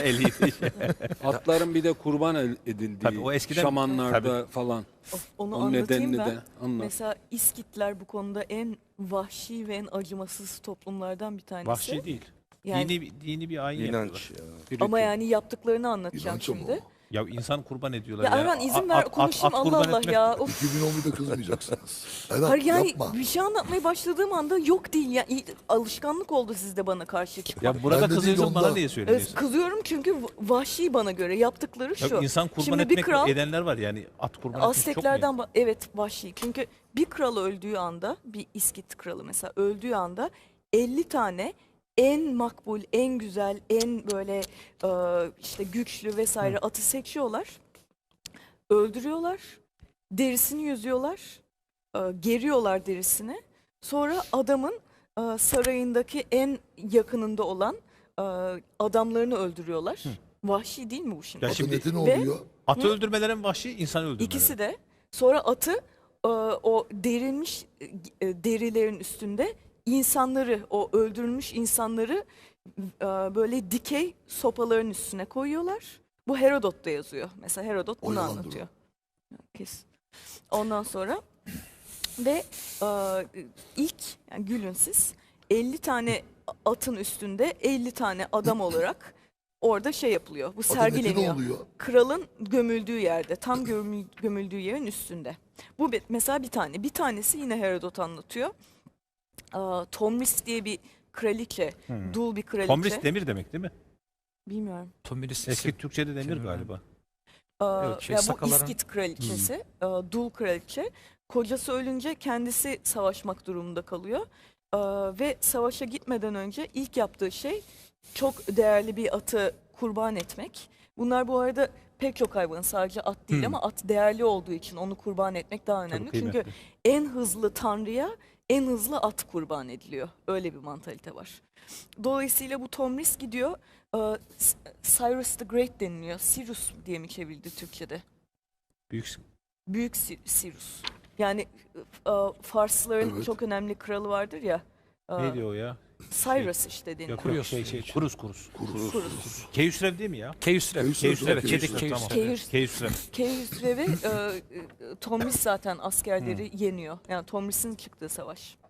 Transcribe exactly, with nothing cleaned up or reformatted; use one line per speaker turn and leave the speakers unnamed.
eliydi.
Atların bir de kurban el- edildiği
Tabii o eskiden-
şamanlarda falan.
Of, onu
O
anlatayım
nedenini
ben.
de anlat.
Mesela İskitler bu konuda en vahşi ve en acımasız toplumlardan bir tanesi.
Vahşi değil.
Yani,
Dini, dini bir ayin
İnanç
yapıyorlar.
ya.
ama yani yaptıklarını anlatacağım
İnanç ama
şimdi.
o.
Ya insan kurban ediyorlar
Ya
ya.
Erhan izin
At-
ver
at-
konuşayım
at
Allah
kurban
Allah
etmek-
ya. Of.
iki bin on birde kızmayacaksınız. Erhan
Hayır yani
yapma.
bir şey anlatmaya başladığım anda yok değil. Ya, iyi- alışkanlık oldu sizde bana karşı çıkmak.
Ya burada
Ben de değil,
kızıyorsun bana
ondan.
niye
Evet,
söylüyorsun?
kızıyorum çünkü v- vahşi bana göre yaptıkları
Ya
şu.
insan kurban
Şimdi bir
etmek
kral
edenler var yani at kurban etmiş çok mu?
Azteklerden ba- evet vahşi. Çünkü bir kral öldüğü anda bir İskit kralı mesela öldüğü anda elli tane en makbul, en güzel, en böyle e, işte güçlü vesaire atı seçiyorlar. Öldürüyorlar. Derisini yüzüyorlar. e, Geriyorlar derisini. Sonra adamın e, sarayındaki en yakınında olan e, adamlarını öldürüyorlar. Vahşi değil mi bu şimdi?
Ya
Atın
şimdi-
eti ne
Ve-
oluyor?
Atı öldürmelerin vahşi, insan öldürmeleri.
İkisi de. Sonra atı e, o derilmiş e, derilerin üstünde insanları, o öldürülmüş insanları e, böyle dikey sopaların üstüne koyuyorlar. Bu Herodot'ta yazıyor. Mesela Herodot
O
bunu
yalandır
anlatıyor. Kes. Ondan sonra ve e, ilk yani gülün siz elli tane atın üstünde elli tane adam olarak orada şey yapılıyor. Bu
Atın eti ne
sergileniyor.
oluyor?
Kralın gömüldüğü yerde, tam gömül- gömüldüğü yerin üstünde. Bu bir- mesela bir tane. Bir tanesi yine Herodot anlatıyor. Aa, Tomris diye bir kraliçe,
Hmm.
dul bir kraliçe.
Tomris demir demek değil mi?
Bilmiyorum.
Tomris
Eski Türkçe'de demir
Şey,
galiba.
Aa,
Evet, şey,
ya bu
sakalların-
İskit kraliçesi, aa, dul kraliçe. Kocası ölünce kendisi savaşmak durumunda kalıyor. Aa, ve savaşa gitmeden önce ilk yaptığı şey çok değerli bir atı kurban etmek. Bunlar bu arada pek çok hayvan, sadece at değil
Hmm.
ama at değerli olduğu için onu kurban etmek daha önemli. Çünkü
kıymetli.
en hızlı tanrıya en hızlı at kurban ediliyor. Öyle bir mantalite var. Dolayısıyla bu Tomris gidiyor. e, S- Cyrus the Great deniliyor. Cyrus diye mi çevrildi Türkçe'de?
Büyük
Büyük Si- Cyrus. Yani e, Farsların
Evet.
çok önemli kralı vardır ya. e,
ne diyor o ya?
Cyrus işte deniyor.
Yok,
Kuruyor
yok, şey şey kurus kurus.
Kurus.
Kurus.
Keyhüsrev değil mi ya?
Keyhüsrev.
Keyhüsrev,
Keyhüsrev,
evet,
Çedik
Keyhüsrev.
tamam.
Keyhüs-
Keyhüsrev.
Keyhüsrev'e e, e, Tomris zaten askerleri yeniyor. Yani Tomris'in çıktığı savaş.